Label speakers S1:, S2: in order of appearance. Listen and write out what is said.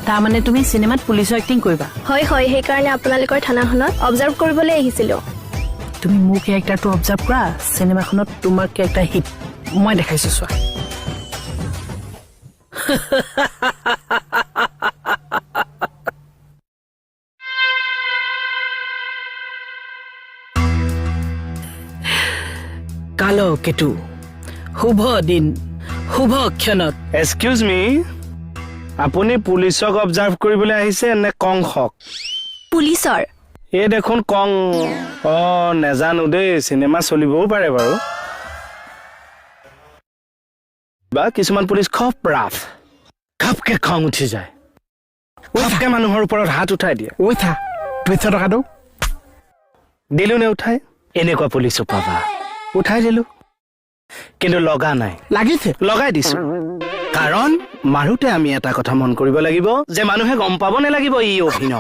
S1: তাৰমানে তুমি চিনেমাত পুলিচৰ এক্টিং কৰিবা
S2: হয় হয় সেইকাৰণে আপোনালোকৰ থানাখনত অবজাৰ্ভ কৰিবলৈ আহিছিলো
S1: তুমি মোৰ কেৰেক্টাৰটো অবজাৰ্ভ কৰা চিনেমাখনত তোমাৰ কেৰেক্টাৰ হিট মই দেখাইছো চোৱা কালো কেতু শুভ দিন শুভ ক্ষণত
S3: এক্সকিউজ মি আপুনি পুলিচক অবজাৰ্ভ কৰিবলৈ আহিছে নে কংসক
S2: পুলিচৰ
S3: এই দেখোন কং নেজানো দেই চিনেমা চলিবও পাৰে বাৰু বা কিছুমান পুলিচ খুব ৰাফ খাপকে খং উঠি যায় খাপকে মানুহৰ ওপৰত হাত উঠাই দিয়ে
S4: উঠা 200 টকাটো
S3: দিলো নে উঠাই এনেকুৱা পুলিচো পাবা উঠাই দিলো কিন্তু লগা নাই
S4: লাগিছে
S3: লগাই দিছো কাৰণ মাৰুতে আমি এটা কথা মন কৰিব লাগিব যে মানুহে গম পাব নালাগিব ই অভিনয়